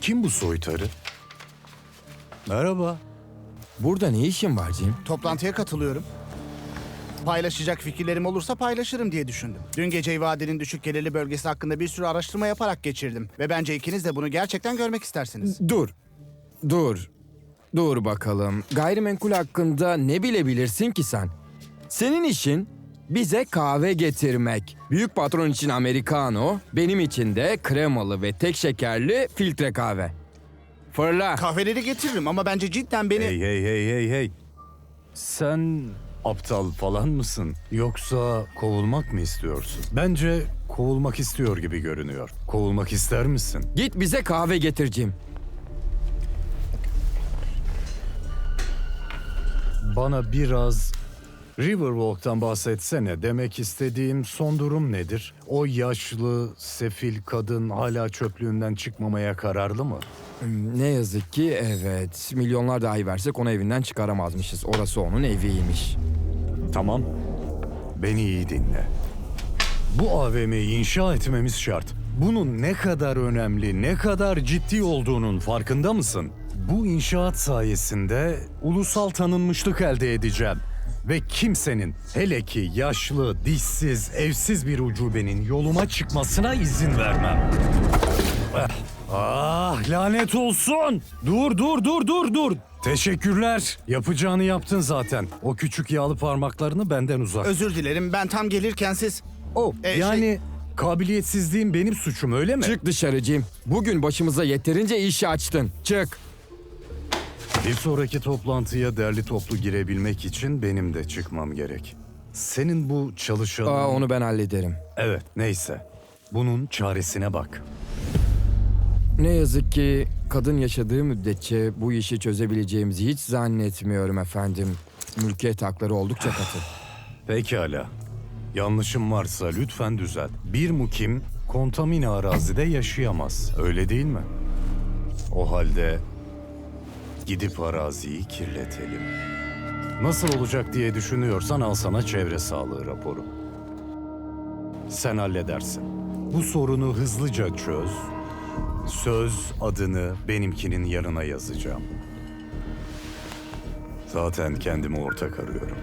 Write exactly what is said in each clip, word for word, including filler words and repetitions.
Kim bu soytarı? Merhaba. Burada ne işin var Jim? Toplantıya katılıyorum. Paylaşacak fikirlerim olursa paylaşırım diye düşündüm. Dün geceyi vadinin düşük gelirli bölgesi hakkında bir sürü araştırma yaparak geçirdim. Ve bence ikiniz de bunu gerçekten görmek istersiniz. Dur. Dur. Dur bakalım. Gayrimenkul hakkında ne bilebilirsin ki sen? Senin işin bize kahve getirmek. Büyük patron için americano, benim için de kremalı ve tek şekerli filtre kahve. Fırla. Kahveleri getiririm ama bence cidden beni... Hey hey hey hey hey. Sen aptal falan mısın? Yoksa kovulmak mı istiyorsun? Bence kovulmak istiyor gibi görünüyor. Kovulmak ister misin? Git bize kahve getir Jim. Bana biraz Riverwalk'tan bahsetsene. Demek istediğim son durum nedir? O yaşlı, sefil kadın hala çöplüğünden çıkmamaya kararlı mı? Hmm, Ne yazık ki evet. Milyonlar dahi versek onu evinden çıkaramazmışız. Orası onun eviymiş. Tamam. Beni iyi dinle. Bu A V M'yi inşa etmemiz şart. Bunun ne kadar önemli, ne kadar ciddi olduğunun farkında mısın? Bu inşaat sayesinde ulusal tanınmışlık elde edeceğim. Ve kimsenin, hele ki yaşlı, dişsiz, evsiz bir ucubenin yoluma çıkmasına izin vermem. Ah, ah, lanet olsun! Dur, dur, dur, dur, dur! Teşekkürler. Yapacağını yaptın zaten. O küçük yağlı parmaklarını benden uzak. Özür dilerim, ben tam gelirken siz... Oh, E, yani şey- kabiliyetsizliğim benim suçum öyle mi? Çık dışarı Jim. Bugün başımıza yeterince iş açtın. Çık. Bir sonraki toplantıya derli toplu girebilmek için benim de çıkmam gerek. Senin bu çalışanın... Aa, onu ben hallederim. Evet, neyse. Bunun çaresine bak. Ne yazık ki kadın yaşadığı müddetçe bu işi çözebileceğimizi hiç zannetmiyorum efendim. Mülkiyet hakları oldukça katı. Pekala. Yanlışım varsa lütfen düzelt. Bir mukim kontamine arazide yaşayamaz. Öyle değil mi? O halde gidip araziyi kirletelim. Nasıl olacak diye düşünüyorsan al sana çevre sağlığı raporu. Sen halledersin. Bu sorunu hızlıca çöz. Söz adını benimkinin yanına yazacağım. Zaten kendime ortak arıyorum.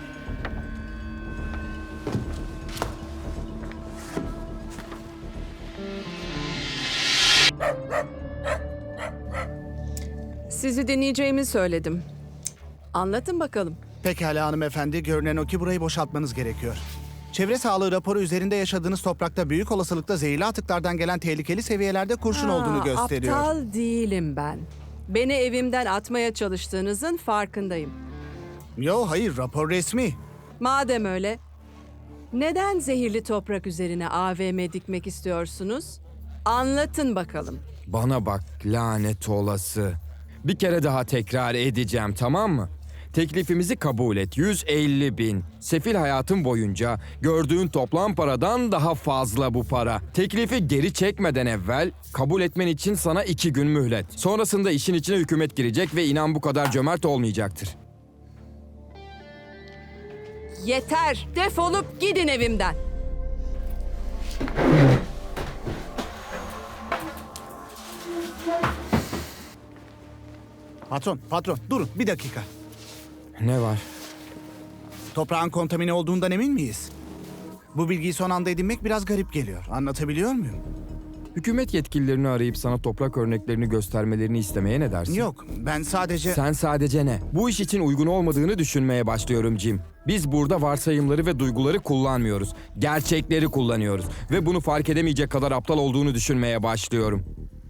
Sizi dinleyeceğimi söyledim. Anlatın bakalım. Pekala hanımefendi, görünen o ki burayı boşaltmanız gerekiyor. Çevre sağlığı raporu üzerinde yaşadığınız toprakta büyük olasılıkla zehirli atıklardan gelen tehlikeli seviyelerde kurşun Ha, olduğunu gösteriyor. Aptal değilim ben. Beni evimden atmaya çalıştığınızın farkındayım. Yo hayır, rapor resmi. Madem öyle, neden zehirli toprak üzerine A V M dikmek istiyorsunuz? Anlatın bakalım. Bana bak lanet olası. Bir kere daha tekrar edeceğim, tamam mı? Teklifimizi kabul et. yüz elli bin. Sefil hayatın boyunca gördüğün toplam paradan daha fazla bu para. Teklifi geri çekmeden evvel kabul etmen için sana iki gün mühlet. Sonrasında işin içine hükümet girecek ve inan bu kadar cömert olmayacaktır. Yeter! Defolup gidin evimden. Patron, patron durun bir dakika. Ne var? Toprağın kontamine olduğundan emin miyiz? Bu bilgiyi son anda edinmek biraz garip geliyor. Anlatabiliyor muyum? Hükümet yetkililerini arayıp sana toprak örneklerini göstermelerini istemeye ne dersin? Yok, ben sadece... Sen sadece ne? Bu iş için uygun olmadığını düşünmeye başlıyorum Jim. Biz burada varsayımları ve duyguları kullanmıyoruz. Gerçekleri kullanıyoruz. Ve bunu fark edemeyecek kadar aptal olduğunu düşünmeye başlıyorum.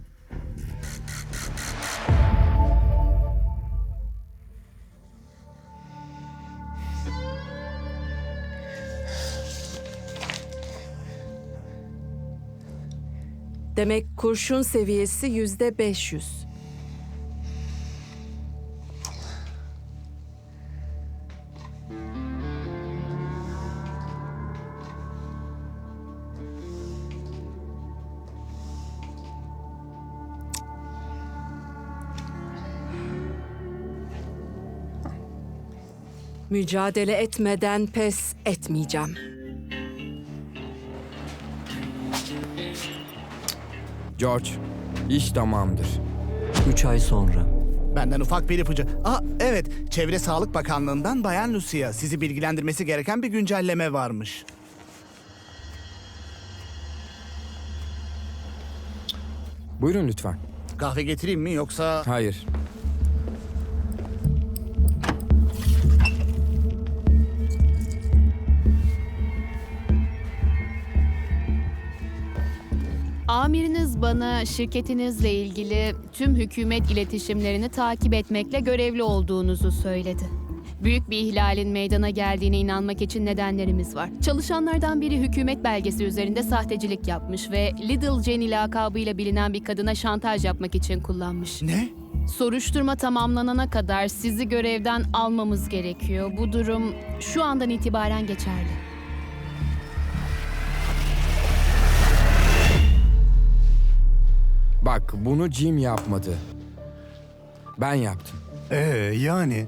Demek kurşun seviyesi yüzde beş yüz. Mücadele etmeden pes etmeyeceğim. George, İş tamamdır. Üç ay sonra. Benden ufak bir ipucu. Aa evet, Çevre Sağlık Bakanlığı'ndan Bayan Lucia. Sizi bilgilendirmesi gereken bir güncelleme varmış. Buyurun lütfen. Kahve getireyim mi yoksa... Hayır. Amiriniz bana şirketinizle ilgili tüm hükümet iletişimlerini takip etmekle görevli olduğunuzu söyledi. Büyük bir ihlalin meydana geldiğine inanmak için nedenlerimiz var. Çalışanlardan biri hükümet belgesi üzerinde sahtecilik yapmış ve Little Jenny lakabıyla bilinen bir kadına şantaj yapmak için kullanmış. Ne? Soruşturma tamamlanana kadar sizi görevden almamız gerekiyor. Bu durum şu andan itibaren geçerli. Bak, bunu Jim yapmadı. Ben yaptım. Ee yani...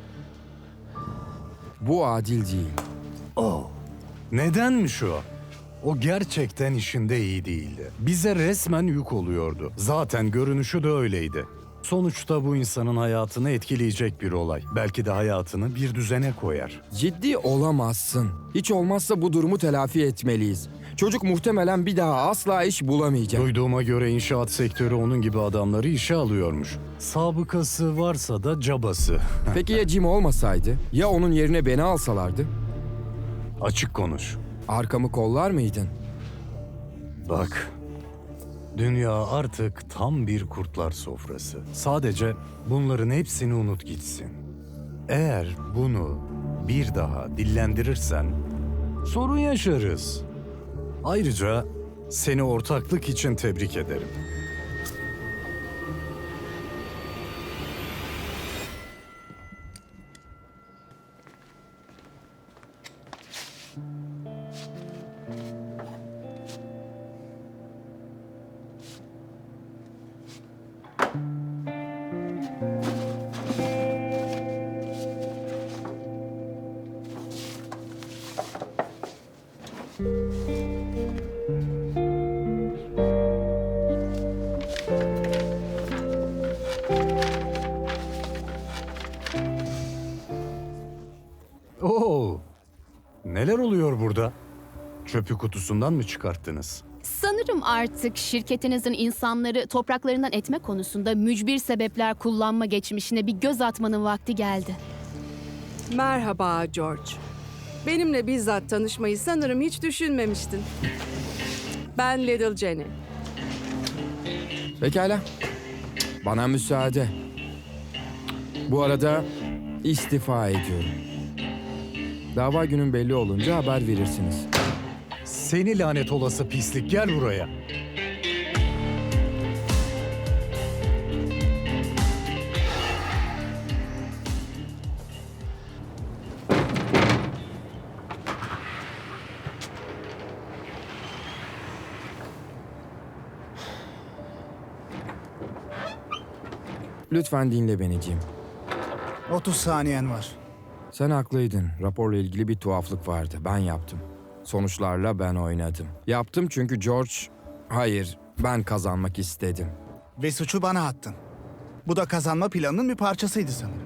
Bu adil değil. Oh. Nedenmiş o? O gerçekten işinde iyi değildi. Bize resmen yük oluyordu. Zaten görünüşü de öyleydi. Sonuçta bu insanın hayatını etkileyecek bir olay. Belki de hayatını bir düzene koyar. Ciddi olamazsın. Hiç olmazsa bu durumu telafi etmeliyiz. Çocuk muhtemelen bir daha asla iş bulamayacak. Duyduğuma göre inşaat sektörü onun gibi adamları işe alıyormuş. Sabıkası varsa da cabası. Peki ya Jim olmasaydı? Ya onun yerine beni alsalardı? Açık konuş. Arkamı kollar mıydın? Bak, dünya artık tam bir kurtlar sofrası. Sadece bunların hepsini unut gitsin. Eğer bunu bir daha dillendirirsen sorun yaşarız. Ayrıca seni ortaklık için tebrik ederim. Oo, neler oluyor burada? Çöpü kutusundan mı çıkarttınız? Sanırım artık şirketinizin insanları topraklarından etme konusunda mücbir sebepler kullanma geçmişine bir göz atmanın vakti geldi. Merhaba George. Benimle bizzat tanışmayı sanırım hiç düşünmemiştin. Ben Little Jenny. Pekala. Bana müsaade. Bu arada istifa ediyorum. Dava günün belli olunca haber verirsiniz. Seni lanet olası pislik, gel buraya. Lütfen dinle beni Jim. otuz saniyen var. Sen haklıydın. Raporla ilgili bir tuhaflık vardı. Ben yaptım. Sonuçlarla ben oynadım. Yaptım çünkü George... Hayır, ben kazanmak istedim. Ve suçu bana attın. Bu da kazanma planının bir parçasıydı sanırım.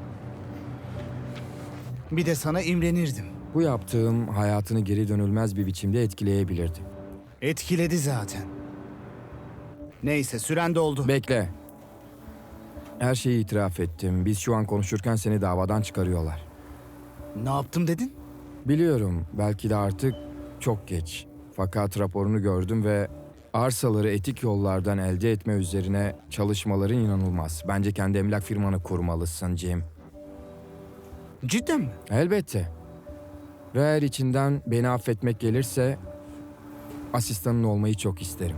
Bir de sana imrenirdim. Bu yaptığım hayatını geri dönülmez bir biçimde etkileyebilirdi. Etkiledi zaten. Neyse, süren doldu. Bekle. Her şeyi itiraf ettim. Biz şu an konuşurken seni davadan çıkarıyorlar. Ne yaptım dedin? Biliyorum, belki de artık çok geç. Fakat raporunu gördüm ve arsaları etik yollardan elde etme üzerine çalışmaların inanılmaz. Bence kendi emlak firmanı kurmalısın Jim. Cidden mi? Elbette. Ve eğer içinden beni affetmek gelirse asistanın olmayı çok isterim.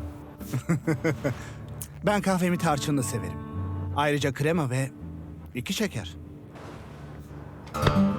Ben kahvemi tarçınlı severim. Ayrıca krema ve iki şeker.